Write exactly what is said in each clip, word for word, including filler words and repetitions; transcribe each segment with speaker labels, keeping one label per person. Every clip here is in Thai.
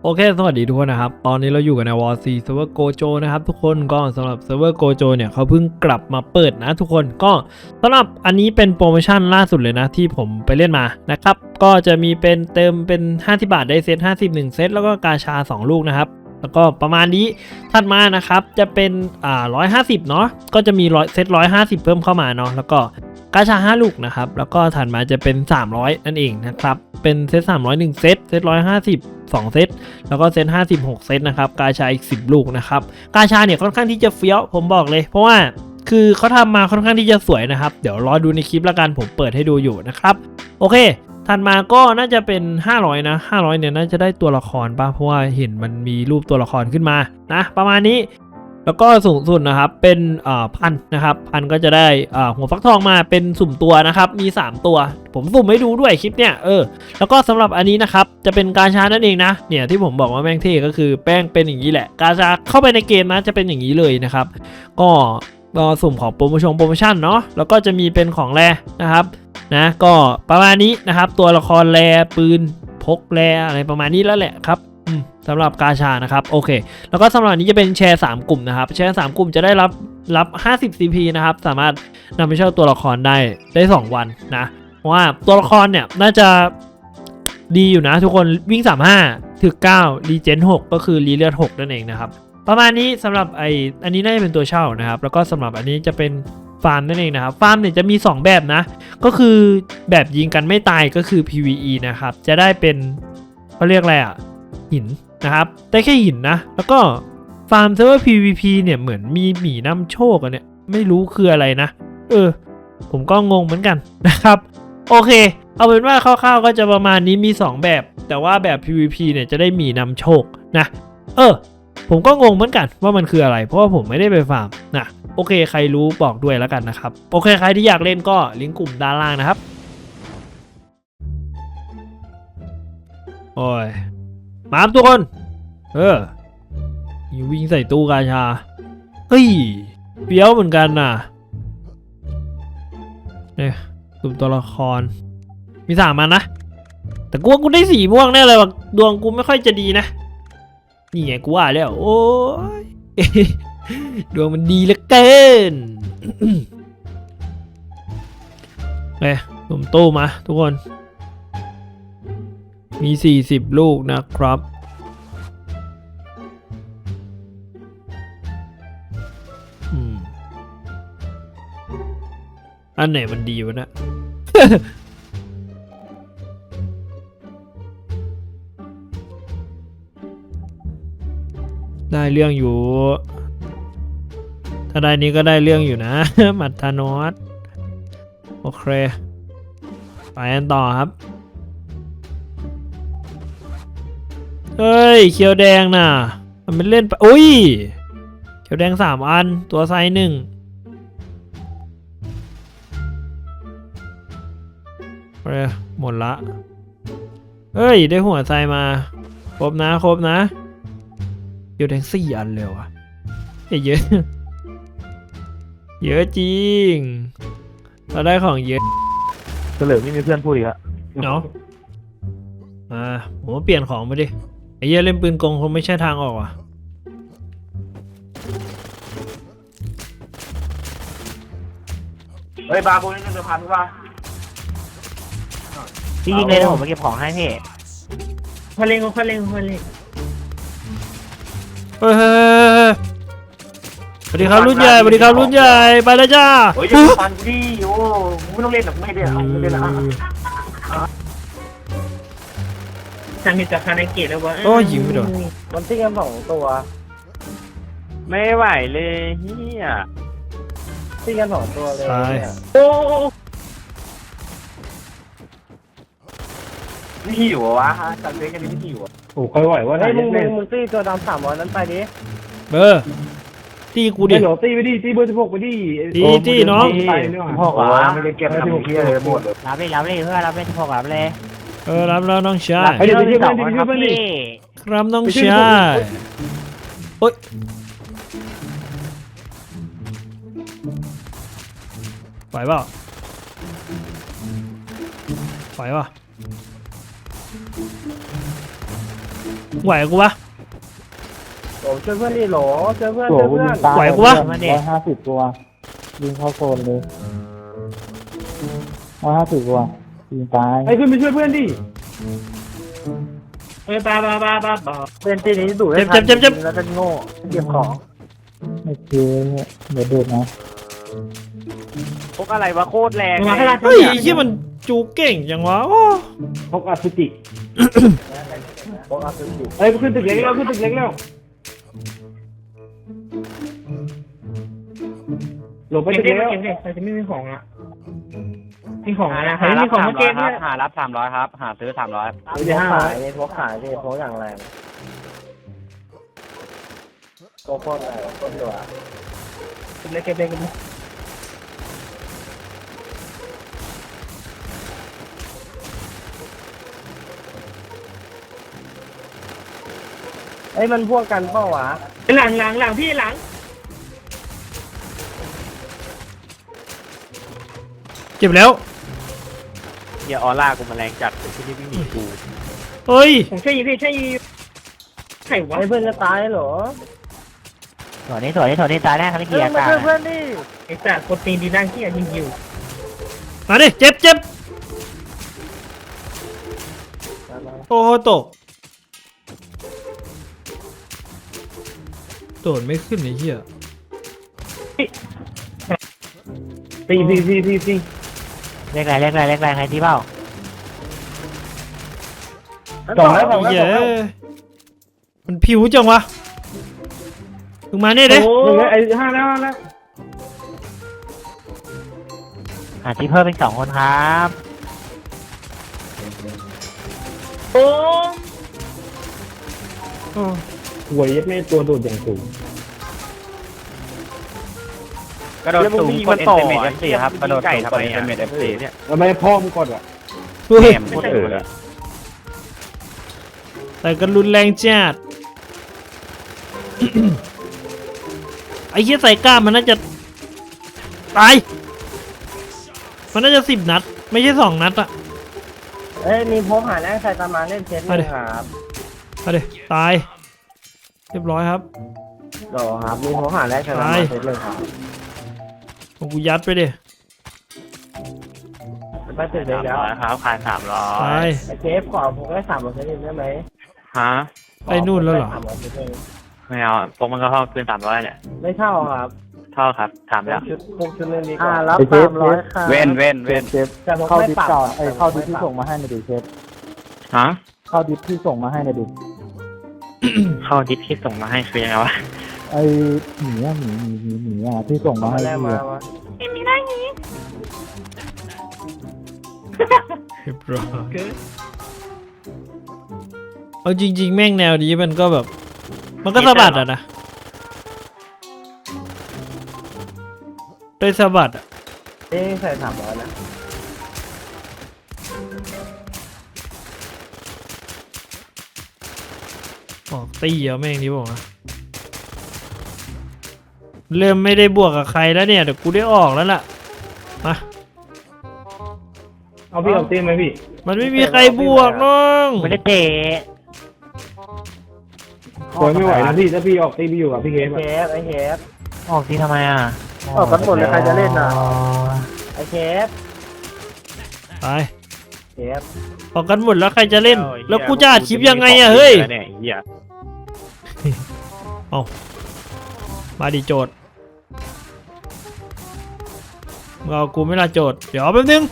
Speaker 1: โอเคสวัสดีทุกคนนะครับตอนนี้เราอยู่กันในวอร์ซีเซิร์ฟเวอร์โกโจนะครับทุกคนก็สำหรับเซิร์ฟเวอร์โกโจเนี่ยเขาเพิ่งกลับมาเปิดนะทุกคนก็สำหรับอันนี้เป็นโปรโมชั่นล่าสุดเลยนะที่ผมไปเล่นมานะครับก็จะมีเป็นเติมเป็นห้าสิบบาทได้เซตห้าสิบ หนึ่งเซตแล้วก็กาชาสองลูกนะครับแล้วก็ประมาณนี้ถัดมานะครับจะเป็นอ่าหนึ่งร้อยห้าสิบเนาะก็จะมีเซตหนึ่งร้อยห้าสิบเพิ่มเข้ามาเนาะแล้วก็กาชาห้าลูกนะครับแล้วก็ถัดมาจะเป็นสามร้อยนั่นเองนะครับเป็นเซตสามร้อย หนึ่งเซตเซตหนึ่งร้อยห้าสิบ สองเซตแล้วก็เซตห้าสิบหกเซตนะครับกาชาอีกสิบลูกนะครับกาชาเนี่ยค่อนข้างที่จะเฟี้ยวผมบอกเลยเพราะว่าคือเขาทำมาค่อนข้างที่จะสวยนะครับเดี๋ยวรอดูในคลิปละกันผมเปิดให้ดูอยู่นะครับโอเคถัดมาก็น่าจะเป็นห้าร้อยนะห้าร้อยเนี่ยน่าจะได้ตัวละครป่ะเพราะว่าเห็นมันมีรูปตัวละครขึ้นมานะประมาณนี้แล้วก็สูงสุดนะครับเป็นอ่าพันนะครับพันก็จะได้อ่าหัวฟักทองมาเป็นสุ่มตัวนะครับมีสามตัวผมสุ่มให้ดูด้วยคลิปเนี่ยเออแล้วก็สำหรับอันนี้นะครับจะเป็นกาชานั่นเองนะเนี่ยที่ผมบอกว่าแม่งเท่ก็คือแป้งเป็นอย่างนี้แหละกาชาเข้าไปในเกมนะจะเป็นอย่างนี้เลยนะครับก็ก็สุ่มของโปรโมชั่นโปรโมชั่นเนาะแล้วก็จะมีเป็นของแรนะครับนะก็ประมาณนี้นะครับตัวละครแรปืนพกแรอะไรประมาณนี้แล้วแหละครับสำหรับกาชานะครับโอเคแล้วก็สำหรับนี้จะเป็นแชร์สามกลุ่มนะครับแชร์สามกลุ่มจะได้รับรับห้าสิบ ซี พี นะครับสามารถนำไปเช่าตัวละครได้ได้สองวันนะเพราะว่าตัวละครเนี่ยน่าจะดีอยู่นะทุกคนวิ่งสามสิบห้าถึงเก้ารีเจนหกก็คือรีเลือดหกนั่นเองนะครับประมาณนี้สำหรับไออันนี้น่าจะเป็นตัวเช่านะครับแล้วก็สำหรับอันนี้จะเป็นฟาร์มนั่นเองนะครับฟาร์มเนี่ยจะมีสองแบบนะก็คือแบบยิงกันไม่ตายก็คือ พี วี อี นะครับจะได้เป็นเขาเรียกอะไรอ่ะหินนะครับได้แค่หินนะแล้วก็ฟาร์มเซิร์ฟเวอร์ พี วี พี เนี่ยเหมือนมีหมีนำโชคกันเนี่ยไม่รู้คืออะไรนะเออผมก็งงเหมือนกันนะครับโอเคเอาเป็นว่าคร่าวๆก็จะประมาณนี้มีสองแบบแต่ว่าแบบ พี วี พี เนี่ยจะได้หมีนำโชคนะเออผมก็งงเหมือนกันว่ามันคืออะไรเพราะว่าผมไม่ได้ไปฟาร์มนะโอเคใครรู้บอกด้วยแล้วกันนะครับโอเคใครที่อยากเล่นก็ลิงก์กลุ่มด้านล่างนะครับโอ้ยมาทุกคนเออวิ่งใส่ตู้กาชาเฮ้ยเปี้ยวเหมือนกันน่ะเนี่ยกลุ่มตัวละครมีสามมันนะแต่กูว่ากูได้สีม่วงแน่เลยว่ะดวงกูไม่ค่อยจะดีนะนี่ไงกูว่าแล้วโอ้ยดวงมันดีเหลือเกินเอ้ยผมตู้มาทุกคนมีสี่สิบลูกนะครับอืมอันไหนมันดีวะเนี่ย ได้เรื่องอยู่ถ้าได้นี้ก็ได้เรื่องอยู่นะ มัตทานอสโอเคไปกันต่อครับเฮ้ยเขียวแดงน่ะมันเป็นเล่นไปอุ้ยเขียวแดงสามอันตัวไซส์หนึ่งโอเคหมดละเฮ้ยได้หัวไซมาครบนะครบนะเขียวแดงสี่อันเลยว่ะเยอะเยอะจริงเราได้ของเยอะ
Speaker 2: เฉลิมไม่มีเพื่อนพูดอีกอะ
Speaker 1: เนาะอ่าผมเปลี่ยนของไปดิไอ้เหี้ยเล่นปืนกงคงไม่ใช่ทางออกว่ะ
Speaker 2: เฮ้ยบาร์กูนี่เงินพันป่ะ
Speaker 3: พี่ยิงเลยนะผมมาเก็บของให้พี่
Speaker 2: พอเล่งพอเล่งพอเล่ง
Speaker 1: เฮ้ยสวัสดีครับรุ่นใหญ่สวัสดีครับรุ่นใหญ่ไปแล้วจ้า
Speaker 2: โอ้ยพันดีโอ้ไม่ต้องเล่นหรอกไม่เล่นไม่เล่นละฉันมีแต่คานาเกะแล้ววะ
Speaker 1: โอ้ยิงไม่โดน
Speaker 2: มันตีกันสองตัวไม่ไหวเลยเฮียตีกันสองตัวเลยโอ้ไม่หิววะจัดเล่นกันไม่หิวโอ้ค่อยไหววะไอ้มึงมึงตีตัวดำสามร้อยนั้นไปดิ
Speaker 1: เบอร์ตีกูดิ
Speaker 2: ตีไปดิตีเบอร์สิบหกไปดิ
Speaker 1: ตีตีน้อง
Speaker 2: พ่อวะไม่ได้เก็บทำเพี้ยเลยหมดเลย
Speaker 3: รับเลยรับเลยเพื่อรับเลยสิบหกรับเลย
Speaker 1: เออรับแล้วน้องชาย
Speaker 3: ไปดูที่สองครับพี่
Speaker 1: ครับน้องชายโอ๊ยไหวเปล่าไหวป่ะไหวกูปะ
Speaker 2: โหช่วยเพื่อนดิโหลช่วยเพื่อน
Speaker 4: โห
Speaker 2: ช่วย
Speaker 4: กู
Speaker 2: เพื่
Speaker 4: ยิ
Speaker 2: อน
Speaker 4: งตาย
Speaker 1: ไหวกูวะ
Speaker 4: ร้อยห้าสิบตัวยิงเข้าโซนเลยร้อยห้าสิบตัวยิงตาย
Speaker 2: ไอ้ขึ้นไปช่วยเพื่อนดิเฮ้ยปาปาปาปาปาเพื่อนที่นี้ดูได้
Speaker 1: เจ็บเจ็บเจ็บ
Speaker 2: แล้วก็โง่เก็บของ
Speaker 4: ไม่เคยเนี่ยเดี๋ยวเดือดนะ
Speaker 2: พกอะไรวะโคตรแรงเลย
Speaker 1: เฮ้ยไอ้เหี้ยมันจูเก่งจังวะโอ้
Speaker 2: พกอสุจิพกอสุจิเอ้ยขึ้นตึกเล็กแล้วขึ้นตึกเล็กแล้วหลบไปตึกเล็กแล้วแต่จะไม่มีของอ่ะมีของอะไรใครมีของมาเกมเนี่ย
Speaker 3: หารับสามร้อยครับหาซื้อสามร้อย
Speaker 2: ไม่ได้ห้าขายเลยพกขายเลยพกอย่างแรงโคตรแรงโคตรดุอ่ะตึกเล็กเก็บเล็กกันเอ้ยมันพวกกันเปล่าวะหลังหลังหลังพี่หลัง
Speaker 1: เจ็บแล้ว
Speaker 2: เดี๋ยวออร่ากูมาแรงจัดที่นี่ไม่มีกู
Speaker 1: เฮ้ย
Speaker 2: ผมใช่ยีพี่ใช่ยีไข่วะเพื่อนจะตายเหรอ
Speaker 3: ส่วนนี้ส่วนนี้ส่วนนี้ตายแน่ครับพี่เกียร์กลาง
Speaker 2: เพื่อนดิไอ้สัตว์โปรตีนดีนั่งที่ยิงยิว
Speaker 1: มาดิเจ็บเจ็บโอ้โหตกโดดไม่ขึ้นไอ้เหี้ย
Speaker 2: ตีตีตีตีตี
Speaker 3: เรียกอะไรเรียกอะไรเรียกอะไรใครที่เปล่า
Speaker 2: สองแล้วสองแล้ว
Speaker 1: เย้มันผิวจังวะมึงมาเนี่ยเด้
Speaker 2: โอ้ยไอ้ห้าแล้วห้าแล้ว
Speaker 3: หาที่เพิ่มเป็นสองคนครับ
Speaker 2: โอ้หวยยัดไม่ตัวโดดอย่างสูง
Speaker 3: กระโดดสูงกดเอ็นเตอร์เมทเอฟซีครับกระโดดสูงกดเอ็นเตอร์เมทเอฟซีเนี่ย
Speaker 2: แล้วไม่พ่อมึงกดอ่ะ
Speaker 1: เฮ้ย
Speaker 3: แหมโคตรเออเลย
Speaker 1: แต่ก็รุนแรงจัด ไอ้เหี้ยใส่กล้ามมันน่าจะตายมันน่าจะสิบนัด ไม่ใช่สองนัดอะ
Speaker 2: เอ้ยมีพกหาแรงใส่ตามาเล่นเซตเลยครับ
Speaker 1: เอาดิตาย เรียบร้อยครับ
Speaker 2: หรอครับมีพกหาแรงใส่ตามาเซตเลยครับ
Speaker 1: ของกูยัดไปดิ
Speaker 2: ไปตึกเล็กแล้ว
Speaker 3: ครับขายสามร้อ
Speaker 1: ตาย
Speaker 2: ไอ้เชฟขอผมได้สามร้อยเซตได้ไหม
Speaker 3: ฮะ
Speaker 1: ไปนู่นแล้วเหรอ
Speaker 3: ไม่เอาพวกมันก็เข้าคืนสามร้อยเนี่ย
Speaker 2: ไม่เท่าครับ
Speaker 3: เท่าครับถามแล้ว
Speaker 2: ชุดพกชุดนึงดีกว่ารับสามร้อยค่ะ
Speaker 3: เว้นเว้นเว้น
Speaker 4: เชฟเข้าดิสก่อนไอ้ยเข้าดิสที่ส่งมาให้หน่อยดิเชฟ
Speaker 3: ฮะ
Speaker 4: เข้าดิสที่ส่งมาให้หน่อยดิ
Speaker 3: เข้าดิสที่ส่งมาให้คือยังไงวะ
Speaker 4: ไอ้หมีอะหมีหมีหมีหมีอะที่ส่งมาให้
Speaker 2: แรก
Speaker 4: พี่
Speaker 2: มา
Speaker 4: อะ
Speaker 2: วะ
Speaker 1: เรียบร้อยเอาจริง ๆ แม่งแนวนี้มันก็แบบ มันก็สะบัดอะนะโดยสะบัดอะ
Speaker 2: เอ้ใส่สามร้อยนะ
Speaker 1: ออกตีเอาแม่งนี้บอกนะเริ่มไม่ได้บวกกับใครแล้วเนี่ยเดี๋ยวกูได้ออกแล้วล่ะมา
Speaker 2: เอาพี่เอาตีไหมพี่
Speaker 1: มันไม่มีใครบวกน้อง
Speaker 3: ไม่ได้เตะ
Speaker 2: โอยไม่ไหวนะพี่ถ้าพี่ออกตีพี่อยู่กับพี่เคฟเชฟไอ้เชฟ
Speaker 3: ออกที่ทำไมอ่ะ
Speaker 2: ออกกันหมดเลยใครจะเล่นน่ะ ไอ้เชฟ
Speaker 1: ไป
Speaker 2: เชฟ
Speaker 1: ออกกันหมดแล้วใครจะเล่น แล้วกูจะอัดคลิปยังไงอะเฮ้ยเอามาดิโจทย์มึงเอากูไม่ละโจทย์เดี๋ยวแป๊บนึง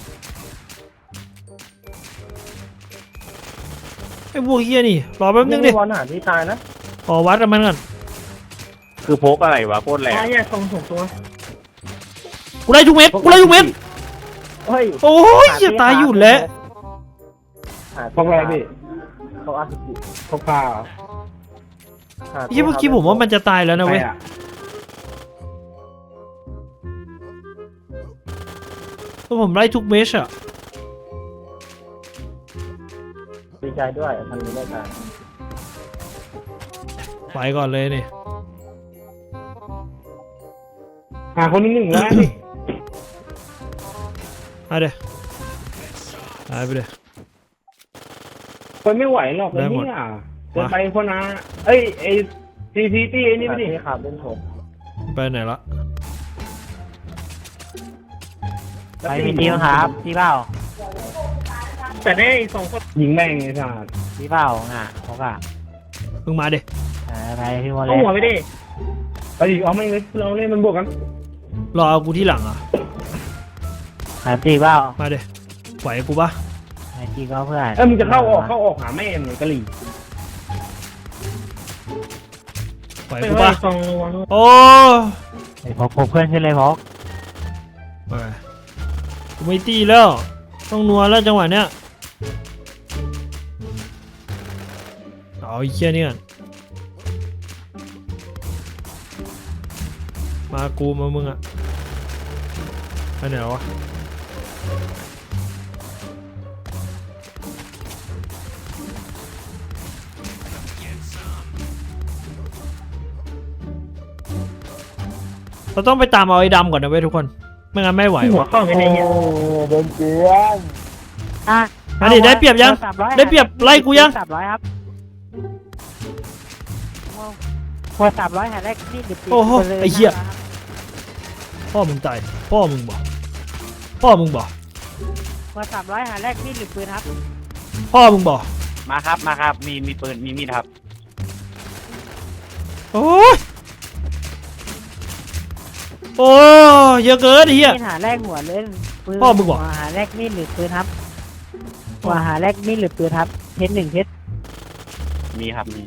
Speaker 1: ไอ้พวกเฮียนี่รอแป๊บนึงดิ
Speaker 2: บอลหาที่ตายนะ
Speaker 1: ขอวัดกับมันก่อน
Speaker 3: คือพกอะไรวะโคตรแรง
Speaker 2: ตายแยกทรงส่งตัว
Speaker 1: กูไล่ทุกเม็ดกูไล่ทุกเม็ด
Speaker 2: เฮ้ย
Speaker 1: โอ้ยจะตายอยู่แล้ว
Speaker 2: พกอะไรพี่พกอาสุจิพกผ้า
Speaker 1: เฮียเมื่อกี้ผมว่ามันจะตายแล้วนะเว้ยเพราะผมไล่ทุกเม็ดอะ
Speaker 2: ดีใจด้วยทันนี้ได้ตาย
Speaker 1: ไปก่อนเลยนี่
Speaker 2: หาคนหนึ่งแล้วนี่
Speaker 1: เอาเดี๋ยวหายไปเลย
Speaker 2: คนไม่ไหวหรอก
Speaker 1: ได้หมด
Speaker 2: เนี่ยจะไปคนนะเอ้ยไอซีซีตี้ไอ้นี่ไม่ดิครับเล่นผม
Speaker 1: ไปไหนละ
Speaker 3: ไปมีทีมครับพี่เป้า
Speaker 2: แต่ได้สองคนยิงแม่งไอ้สัส
Speaker 3: พี่เป้าน่ะเขาก็
Speaker 1: มึงมาดิ
Speaker 3: ไปพี่โมเล
Speaker 2: เอาหัวไปดิไปดิเอาไม่เลยเราเล่นมันบวกกัน
Speaker 1: รอเอากูที่หลังอ่ะ
Speaker 3: หาตีเป้า
Speaker 1: มาดิไหวกูปะ
Speaker 3: หาตีก็เพื่อน
Speaker 2: เออมึงจะเข้าออกเข้าออกหาแม่มึงกะหรี่
Speaker 1: ไหวกูปะ
Speaker 2: ซองระวัง
Speaker 1: โอ้
Speaker 3: ไอ้พกพกเพื่อนขึ้นเลยพก
Speaker 1: ไปกูไม่ตีแล้ว ต้องนัวแล้วจังหวะเนี้ยเอาไอ้เชี่ยนี่ก่อนมากูมามึงอะไปไหนวะเราต้องไปตามเอาไอ้ดำก่อนนะเว้ยทุกคนไม่งั้นไม่ไหว
Speaker 2: หัว
Speaker 1: วะ
Speaker 2: เข้าไปในเนี้ย
Speaker 4: โดนเกลียน
Speaker 3: อ่ะ
Speaker 1: อันนี้ได้เปรียบยังได้เปรียบไล่กูยัง
Speaker 3: สามร้อยครับพอสามร้อยหาแรกนี่เดือด
Speaker 1: โอ้โหไอ้เหี้ย พ่อมึงตายพ่อมึงบอกพ่อมึงบอก
Speaker 3: พอสามร้อยหาแรกนี่หรือปืนครับ
Speaker 1: พ่อมึงบอก
Speaker 3: มาครับมาครับมีมีปืนมีมีดครับ
Speaker 1: โอ้ยโอ้ยเยอะเกินไอ้เหี้ย
Speaker 3: มีดหาแรกหัวเล่นปืน
Speaker 1: พ่อมึงบอก
Speaker 3: หัวหาแรกมีดหรือปืนครับหัวหาแรกมีดหรือปืนครับเพชรหนึ่งเพชรมีครับมี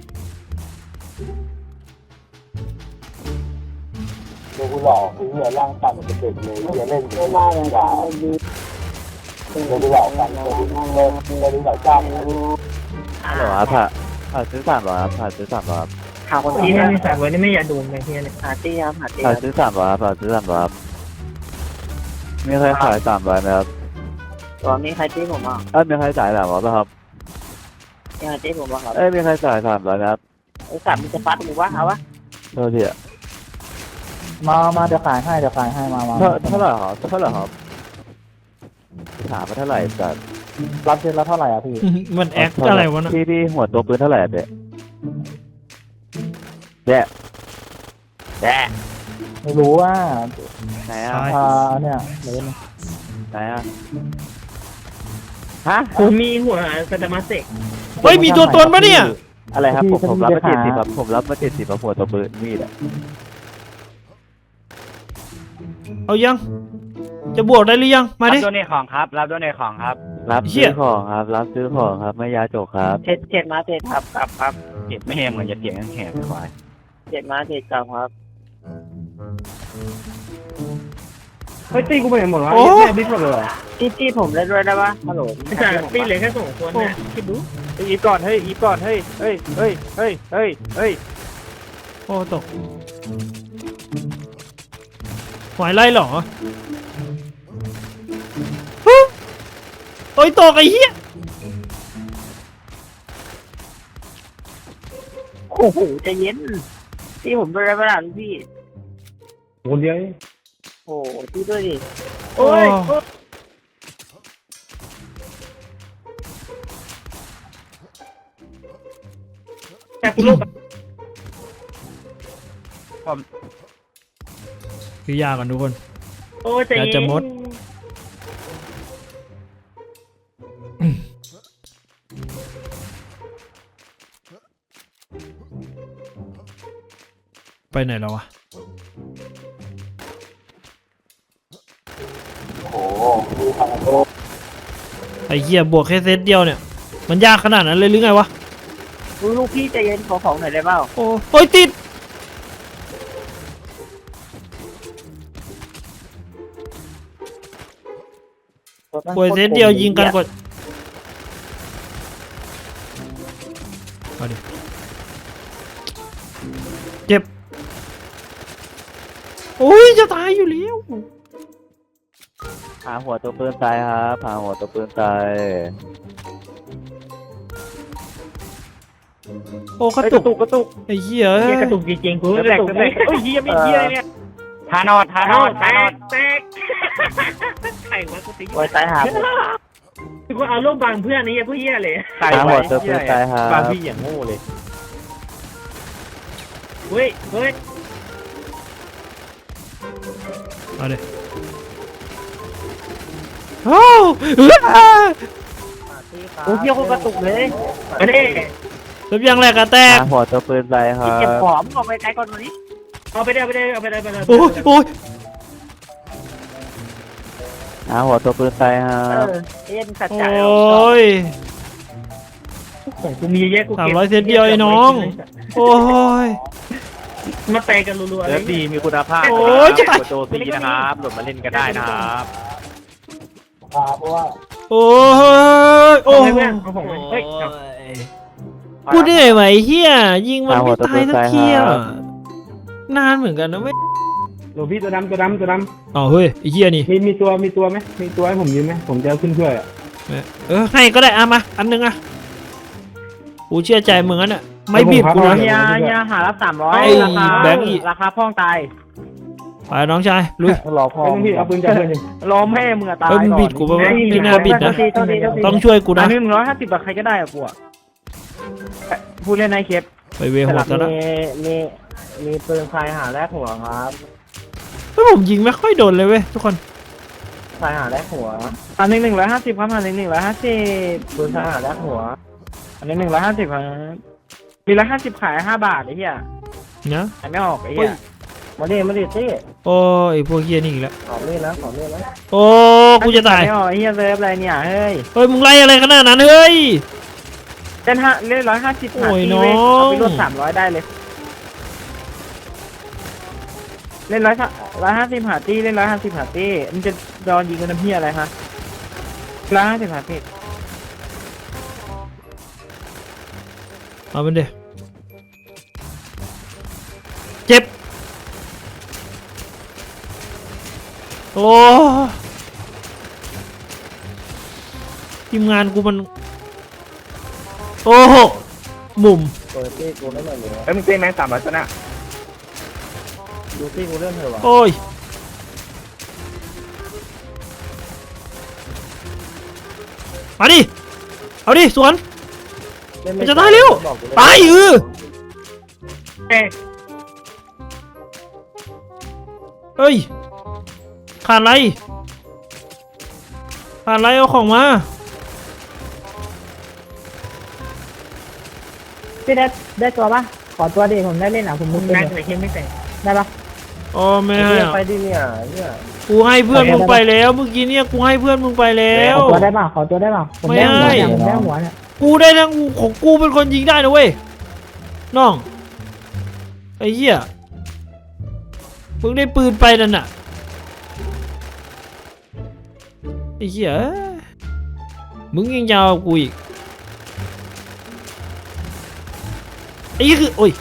Speaker 4: เดี๋ยวกูหลอกไอ้เหี้ยร่างต่ำเป็นเด็กเลยเหี้ยเล่นไม่ได้เลยด่าเดี๋ยวกูหลอกกันเดี๋ยวกูนั่งเล่นเดี๋ยวกูหลอกจ้าง
Speaker 3: ฮัลโหลครับผ่าผ่าซื้อสามร้อยครับผ่าซื้อสามร้อยครับ
Speaker 2: ข่าวคนที่นี่มีสายไว้นี่ไม่อยากดูเลยเฮียเนี่ย
Speaker 3: หาตี้ครับหาตี้
Speaker 5: ผ่าซื้อสามร้อยครับผ่าซื้อสามร้อยครับมีใครขายสามร้อยไหมครับ
Speaker 3: ตอนนี้ใครตี้ผมอ่ะ
Speaker 5: เอ้ยมีใครจ่ายสามร้อยป่ะครับ
Speaker 3: ยังไงตี้ผมอ่ะครับ
Speaker 5: เอ้ยมีใครจ่ายสามร้อยไหมครับ
Speaker 3: ไอ้สามมันจะฟัดหรือว่าเอาวะ
Speaker 5: โทษทีอะ
Speaker 4: มา มาเดี๋ยวขายให้เดี๋ยวขายให้มามา
Speaker 5: เท่าเท่าไหร่ครับเท่าไหร่ครับถามมาเท่าไหร่จัด
Speaker 4: รับเซ็นแล้วเท่าไหร่อ่ะพี่
Speaker 1: มันแอคอะไรวะนะ
Speaker 5: พี่พี่หัวตัวปืนเท่าไหร่อะเด็กแย่
Speaker 3: แย่
Speaker 4: ไม่รู้ว่า
Speaker 5: ไหนอะ
Speaker 1: ใช่
Speaker 4: อ่าเนี่ยเล่น
Speaker 5: ไหนอะฮะ
Speaker 2: กูมีหัวสตามาเซก
Speaker 1: เฮ้ยมีตัวตนปะเนี่ย
Speaker 5: อะไรครับผมผมรับมาเจ็ดสิบครับผมรับมาเจ็ดสิบหัวตัวปืนมีดอะ
Speaker 1: เอายังจะบวกได้หรือยังมา
Speaker 3: รับ
Speaker 1: ดิ
Speaker 3: โดเนทของครับรับโดเนทของครับ
Speaker 5: รับ
Speaker 1: เหี้
Speaker 5: ซื้
Speaker 1: ย
Speaker 5: อของครับรับซื้อของครับไม่ยาจกครับ
Speaker 3: เจ็ดเจ็ดมาเจ็ดครับครับครับเจ็ดไม่แหงเหมือนจะเสียงแหงควายเจ็ดมาเจ็ดกับครับ
Speaker 2: เฮ้ยตีกูไปไหนหมดวะ
Speaker 1: โอ้
Speaker 2: แม่บิ๊กหมดเลยเหรอ
Speaker 3: ตี้ตี้ผมเล่นด้วยได้ปะฮัลโหล
Speaker 2: ไม่ใช่ตีเหลือแค่สองคนเนี่ยคิดดู
Speaker 3: อีฟก่อนเฮ้ยอีฟก่อนเฮ้ยเฮ้ยเฮ้ยเฮ้ยเฮ้ยเฮ้ย
Speaker 1: โอ้ตกไหวไล่เหรอฮึโอ้ยตกไอ้เหี้ย
Speaker 3: โอ้โหใจเย็นตี้ผมด้วยได้ปะล่ะพี่
Speaker 2: คนเดียว
Speaker 3: โอ้โหตี้ด้วยดิ
Speaker 2: โอ้ยแค่กูโลก
Speaker 1: คือยาก่อนทุกคน
Speaker 2: โอ้ยใจ
Speaker 1: อยาก
Speaker 2: เย็
Speaker 1: จะ
Speaker 2: น
Speaker 1: มด ไปไหนแล้ววะ
Speaker 4: โอ้โหดูทางโลก
Speaker 1: ไอ้เหี้ยบวกแค่เซตเดียวเนี่ย มันยากขนาดนั้นเลยหรือไงวะ
Speaker 3: ลูกพี่ใจเย็นขอของหน่อยได้เปล่า
Speaker 1: โอ้โอ้ยติดบวกเซตเดียวยิงกันกดเอาดิเจ็บโอ้ยจะตายอยู่แล้ว
Speaker 5: หาหัวตัวปืนตายครับหาหัวตัวปืนตาย
Speaker 1: โอ้กระ
Speaker 2: ก
Speaker 1: ตุ
Speaker 2: ระตุ
Speaker 1: ก
Speaker 2: กกระตุก
Speaker 1: ไอ้เหี้ย
Speaker 2: เฮียกระตุกจริงๆกูแหลกแหลกเฮ้ยเฮียไม่เฮียเนี่ย
Speaker 3: ทานอดทานอด
Speaker 2: แต
Speaker 3: ทานอด
Speaker 2: กแตกใครวะกูตี
Speaker 3: โอ้ยตายหากูเอาลูกบางเพื่อนนี่พวกเหี้ยเลย
Speaker 2: ใคร
Speaker 5: หาหั
Speaker 2: ไว้
Speaker 5: วตัวปืนตายครับ
Speaker 2: บางพี่อย่างโง่เลย
Speaker 3: เฮ้ยเฮ้ย
Speaker 1: เอาดิโอ้เอื้อ
Speaker 3: โอ้เหี้ยโคตรกระตุกเลยมาดิ
Speaker 1: เริ่มยังแหลกกระแตก
Speaker 5: หาหัวตัวปืนไปครั
Speaker 3: เก็บบ ของออกไปไกลก่อนวันนี้เอาไปได้เอาไปได้เอาไปได้เอาไปได้
Speaker 1: โอ้ยโอ้ย
Speaker 5: หาหัวตัวปืนไปครั
Speaker 3: เอบ อเอ็นสัจ
Speaker 1: โอ
Speaker 3: จะ
Speaker 1: ้ย
Speaker 3: ของกูมีเยอะกู
Speaker 1: สาม
Speaker 3: เก็บ
Speaker 1: ร้อยเซตเดียวไอ้น้อง โอ้ย
Speaker 3: มาเตะกันรัวๆเล
Speaker 2: เลิ
Speaker 3: ย
Speaker 2: ฟดีมีคุณภาพ
Speaker 1: โอ้ยจะ
Speaker 2: โจซีนะครับโหลดมาเล่นกันได้นะครับ
Speaker 4: เพราะว่า
Speaker 1: โอ้ยโอ้
Speaker 3: โอ้
Speaker 1: ย
Speaker 3: ยเพื่อนของผมเฮ้ย
Speaker 1: กูเหนื่อยไหวเฮียยิงมันไม่ตายสักทีอ่ะนานเหมือนกันนะเว้ย
Speaker 6: หลวงพี่ตัวดำตัวดำตัวด
Speaker 1: อ๋อเฮ้ยไอ้เฮียนี่
Speaker 6: ำมีมีตัวมีตัวไหมมีตัวให้ผมยืมไหมผมจะเอาขึ้นช่วยอ่ะ
Speaker 1: เออให้ก็ได้อ่ะมาอันนึงอ่ะกูเชื่อใจมึงอ่ะเนี่ยไม่บีบกูนะ
Speaker 3: เฮียเฮียหารับสามร้อย
Speaker 1: ไอ้
Speaker 3: ราคา
Speaker 1: แบงค์อีก
Speaker 3: ราคาพ่องตาย
Speaker 1: ไปน้องชายลุย
Speaker 4: รอพ่อ
Speaker 6: ไอ้หลวงพี่เอาปืนจับเพื่อนยิง
Speaker 3: รอแม่มึงอะตาย
Speaker 1: เฮ้ยมึงบิดกูปะวะไม่น่าบิดนะ ต้องช่วยกู
Speaker 3: อั
Speaker 1: นะ
Speaker 3: นนี้หนึ่งร้อยห้าสิบบาทใครก็ได้อะกูอะพูดเล่นในเคป
Speaker 1: ไปเวหดซะแล้ว
Speaker 3: มีมีปืนไฟหาแรกหัวครับ
Speaker 1: เฮ้ยผมยิงไม่ค่อยโดนเลยเว้ยทุกคน
Speaker 3: ไฟหาแรกหัว อันนี้หนึ่งร้อยห้าสิบครับอันนี้หนึ่งร้อยห้าสิบปืนไฟหาแรกหัว อันนี้หนึ่งร้อยห้าสิบครับมีร้อยห้าสิบขายห้าบาทไอ้เหี้ย
Speaker 1: นะ
Speaker 3: ขายไม่ออกไอ้เหี้ยมาดิมาดิสิ
Speaker 1: โอ้ยพวกเฮียนี่อีกแล้ว
Speaker 3: ขอเล่นนะขอเล่นนะ
Speaker 1: โอ้กูจะตาย
Speaker 3: ไม่ออกไอ้เหี้ยเซิร์ฟอะไรเนี่ยเฮ้ย
Speaker 1: เฮ้ยมึงไล่อะไรขนาดนั้นเฮ้ย
Speaker 3: เล่นห้าเล่นร้อยห้าสิบ
Speaker 1: โอ้ย
Speaker 3: หาที่
Speaker 1: น้อง
Speaker 3: เว้เอาไปลดสามร้อยได้เลย เล่นร้อยร้อยห้าสิบหาตี้เล่นร้อยห้าสิบหาตี้มันจะโดนยิงกันน้ำเพี้ยอะไรฮะร้อยห้าสิบหาตี้
Speaker 1: เอามันเดเจ็บโอ้ทีมงานกูมันโอ้โหมุม
Speaker 3: เปิดตี้กูไม่เหมือนเลย
Speaker 2: เอ้ยมึงเต้นแมงสามร้อยชนะ
Speaker 3: ดูตี้กูเล่นเถอะวะ
Speaker 1: โอ้ยมาดิเอาดิสวนมันจะตายเร็วตายเออ
Speaker 3: เอ๊ะ
Speaker 1: เฮ้ยขาดอะไรขาดอะไรเอาของมา
Speaker 7: พี่ได้ได้ตัวปะขอตัวดิผมได้เล่นอ่ะผมมุดเล่
Speaker 3: แม่
Speaker 7: น
Speaker 3: งใส่เข้มไม่ใส่
Speaker 7: ได้ปะ
Speaker 1: อ๋อไม่ให้อะ
Speaker 3: ไปดิเนี่ยเนี่ย
Speaker 1: กูให้เพื่อนมึงไปแล้วเมื่อกี้เนี่ยกูให้เพื่อนมึงไปแล้
Speaker 7: ข
Speaker 1: ว
Speaker 7: อตัวได้ปะขอตัวได้ปะผมได้หัว
Speaker 1: ไม่
Speaker 7: เนี่ย
Speaker 1: ให้
Speaker 7: ผมได้หัวเนี่ย
Speaker 1: กูได้ทั้งของกูเป็นคนยิงได้นะเว้ยน้องไอ้เหี้ยมึงได้ปืนไปนั่นน่ะไอ้เหี้ยมึงยังยาวกว่ากูอีกไอ้เหี้ยคือโอ้ย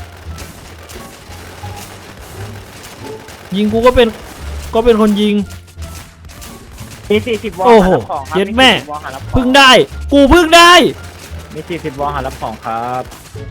Speaker 1: ยิงกูก็เป็นก็เป็นคนยิง
Speaker 3: มีสี่สิบวอล
Speaker 1: โอ้โห
Speaker 3: หารับของครับ
Speaker 1: เย็ดแม่
Speaker 3: สี่สิบวอลหารับของ
Speaker 1: เพึ่งได้กูเพึ่งได้
Speaker 3: มีสี่สิบวอลหารับของครับ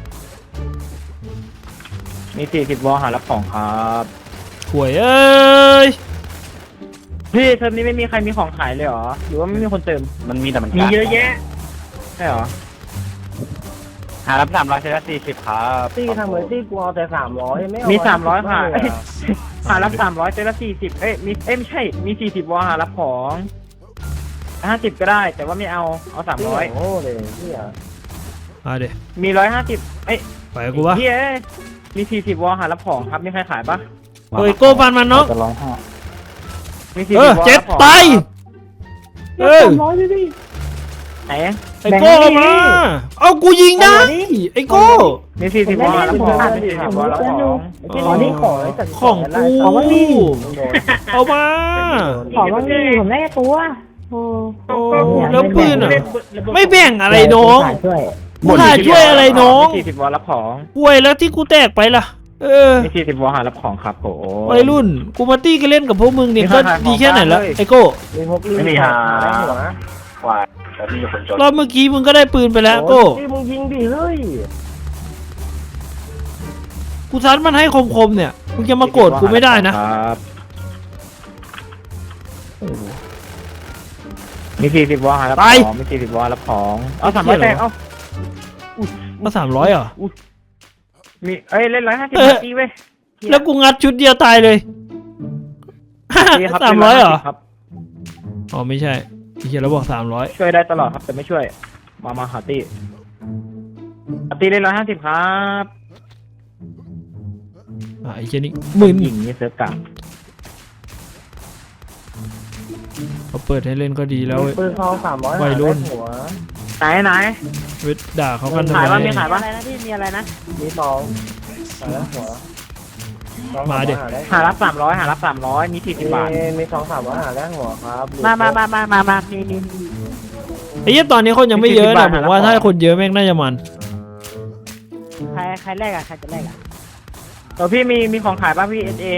Speaker 3: มีสี่สิบวอลหารับของครับ
Speaker 1: หวยเอ้ย
Speaker 3: พี่เทอมนี้ไม่มีใครมีของขายเลยเหรอหรือว่าไม่มีคนเติม
Speaker 2: มันมีแต่มัน
Speaker 3: มีเยอะแยะใช่เหรอ
Speaker 2: หารับสามร้อยชนะสี่สิบครับ
Speaker 3: ตี้ทำเหมือนตี้กูเอาแต่สามร้อยมีสามร้อยค่ะ หารับสามร้อยเจอละสี่สิบเอ้ยมีเอ้ยไม่ใช่มีสี่สิบวอลหารับของห้าสิบก็ได้แต่ว่าไม่เอาเอาสามร้อย
Speaker 2: โอ้เลยเฮีย
Speaker 1: มาเดี๋ยว
Speaker 3: มีร้อยห้าสิบเอ้ย
Speaker 1: ไปกับกูวะ
Speaker 3: พี่เอ้ยมีสี่สิบวอลหารับของครับมีใครขายปะ
Speaker 1: เฮ้ยโก้ฟันมันน้อง
Speaker 5: จะร้องไห้
Speaker 3: มีสี่
Speaker 1: เอ
Speaker 3: สิ
Speaker 1: อบ
Speaker 3: วอล
Speaker 1: เจ็บ
Speaker 3: รับของ
Speaker 1: ตายเอ้ย
Speaker 7: ร้อยดิดิ
Speaker 3: ไหน
Speaker 1: ไอ้โก้เอามา เอากูยิงได้ ไอ้โก้
Speaker 3: มีสี่สิบวอลหารับของมีสี่สิบวอลรับของ
Speaker 7: ขอนี่ขอไอ้สัตว์
Speaker 1: ของกู
Speaker 7: ขอว่านี่
Speaker 1: เอามา
Speaker 7: ขอว่านี่ผมได้แค่ตัวโอ้
Speaker 1: โอ้แล้วปืนอ่ะ ไม่แบ่งอะไรน้อง
Speaker 7: ขายช่วย
Speaker 1: กูหาช่วยอะไรน้อง
Speaker 3: มีสี่สิบวอลรับของ
Speaker 1: ป่วยแล้วที่กูแตกไปล่ะ เออ
Speaker 3: มีสี่สิบวอลหารับของครับโอ้
Speaker 1: วัยรุ่น กูมาตี้กันเล่นกับพวกมึงเนี่ย
Speaker 3: มี
Speaker 1: ก็
Speaker 3: ใครขาย
Speaker 1: ดีแค่ไหนละ
Speaker 3: ของบ้างเลย
Speaker 1: ไอ้โก้
Speaker 3: มีพก
Speaker 2: ไม่มีหาควายแล้วมีคนจน
Speaker 1: รอบเมื่อกี้มึงก็ได้ปืนไปแล้วโก้
Speaker 3: ที่มึงยิงดิเฮ้ย
Speaker 1: กูซัดมันให้คมๆเนี่ย มึงจะมาโกรธกูไม่ได้นะ
Speaker 3: ครับ
Speaker 1: ไ
Speaker 3: มีสี่สิบวอลหารับ
Speaker 1: ไป
Speaker 3: ของมีสี่สิบวอลรับของเอาสามร้อยแตกเอา
Speaker 1: ก็สามร้อยเหรอ
Speaker 3: มีเอ้ยเล่นร้อยห้าสิบ
Speaker 1: เออ
Speaker 3: ตีเว้ย
Speaker 1: แล้วกูงัดชุดเดียวตายเลย
Speaker 3: นี่คบ
Speaker 1: สามร้อยเหรอ
Speaker 3: ครับ
Speaker 1: อ๋อไม่ใช่ที่เขียนแล้วบอกสามร้อย
Speaker 3: ช่วยได้ตลอดครับแต่ไม่ช่วย มามาหาตีหาตีเล่นร้อยห้าสิบครับ
Speaker 1: อ่ะไอ้เจนี่หมื่น
Speaker 3: หญิงนี่เซิร์ฟกลาง
Speaker 1: เขาเปิดให้เล่นก็ดีแล้วเว้ย
Speaker 2: ปืนทองสามร้อย
Speaker 1: วัยรุ่น
Speaker 2: หัว
Speaker 3: ไหนไหน
Speaker 1: เวทด่าเขากันทำ
Speaker 3: ขาย
Speaker 1: ไม
Speaker 3: ว่ามีขาย
Speaker 7: อะไรนะพี่มีอะไรนะ
Speaker 2: มีทองหาแล้วหัวทอง
Speaker 1: มาดิ
Speaker 2: หาได้
Speaker 3: หารับสามร้อยหารับสามร้อยมีสี่สิบบาท
Speaker 2: มีมีทองสามร้อยหาได้หัวครับ
Speaker 7: มามามามามามามีมี
Speaker 1: ไอ้เหี้ยตอนนี้คนยังไม่เยอะนะผมว่าถ้าคนเยอะแม่งน่าจะมัน
Speaker 7: ใครใครแรกอะใครจะแรกอะ
Speaker 3: เออพี่มีมีของขายป่ะพี่เอสเอ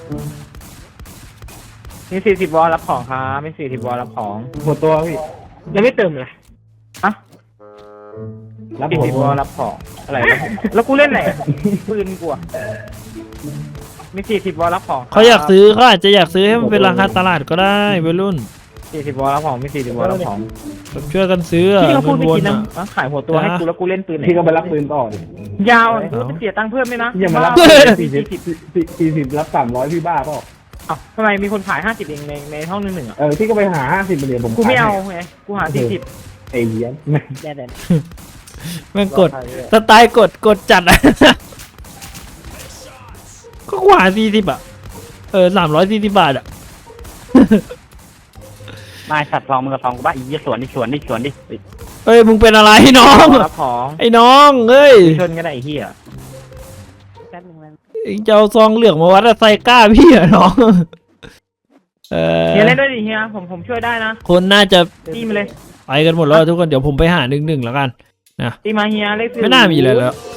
Speaker 3: มีสี่สิบวอลรับของครับมีสี่สิบวอลรับของ
Speaker 6: หัวตัวพี่
Speaker 3: ยังไม่เติมเลยอะ
Speaker 6: รับ
Speaker 3: สี่
Speaker 6: หัว
Speaker 3: สิบ
Speaker 6: ตัว
Speaker 3: วอลรับของอะไรวะแล้วกูเล่นไหนปืนกูอะมีสี่สิบวอลรับของ
Speaker 1: เขาอยากซื้อเขาอาจจะอยากซื้อให้มันเป็นราคาตลาดก็ได้วัยรุ่น
Speaker 3: สี่สิบวอลรับของมีสี่สิบวอลรับของ
Speaker 1: แบบช่วยกันซื้ออะ
Speaker 3: พี่ก็พู
Speaker 1: เงิ
Speaker 3: ด
Speaker 1: น
Speaker 3: ไม่
Speaker 1: วน
Speaker 3: กินนะ
Speaker 1: อะ
Speaker 3: อ่ะขายหัวตัวให้กูแล้วกูเล่นปืนไหน
Speaker 6: พี่ก็ไปรับปืนต่อดิ
Speaker 3: ยาวกูจะเสียตังค์เพิ่มไหมนะ
Speaker 6: อย่ามารับ
Speaker 3: บ้
Speaker 6: สี่สิบสี่สิบรับสามร้อยพี่บ้าเปล่า
Speaker 3: เอ้าทำไมมีคนขายห้าสิบเองในในห้องหนึ่งหนึ่งอ่ะ
Speaker 6: เออพี่ก็ไปหาห้าสิบเหรียญผม
Speaker 3: กูไม่เอา
Speaker 6: ขยให้
Speaker 3: ไงกูหาสี่สิบ
Speaker 6: ไอ้เหี้ย
Speaker 7: เดี๋ยวเดี๋ยว
Speaker 1: แม่งกดสไตล์กดกดจัดอะ ก็กว่าสี่สิบอะเออสามร้อยสี่สิบบาทอะ
Speaker 5: นายสัตว์ทองมึงกับทองกูบ้าอีเหี้ยสวนดิสวนดิสวนดิ
Speaker 1: เอ้ยมึงเป็นอะไรน้อง
Speaker 3: รับของ
Speaker 1: ไอ้น้องเอ้ย
Speaker 3: ชนกันได้ไอ้เหี้ย
Speaker 7: แป๊บนึงนะ
Speaker 1: เอ็งจะเอาซองเหลืองมาวัดอะไซก้าพี่เหรอน้อง เออ
Speaker 3: เฮียเล่นด้วยดิเฮียผมผมช่วยได้นะ
Speaker 1: คนน่าจะ
Speaker 3: ตีมาเลย
Speaker 1: ไปกันหมดแล้วทุกคนเดี๋ยวผมไปหาหนึ่งหนึ่งแล้วกัน
Speaker 3: ตีมาเฮียเล่น
Speaker 1: ไม่น่ามีอะไรแล้ว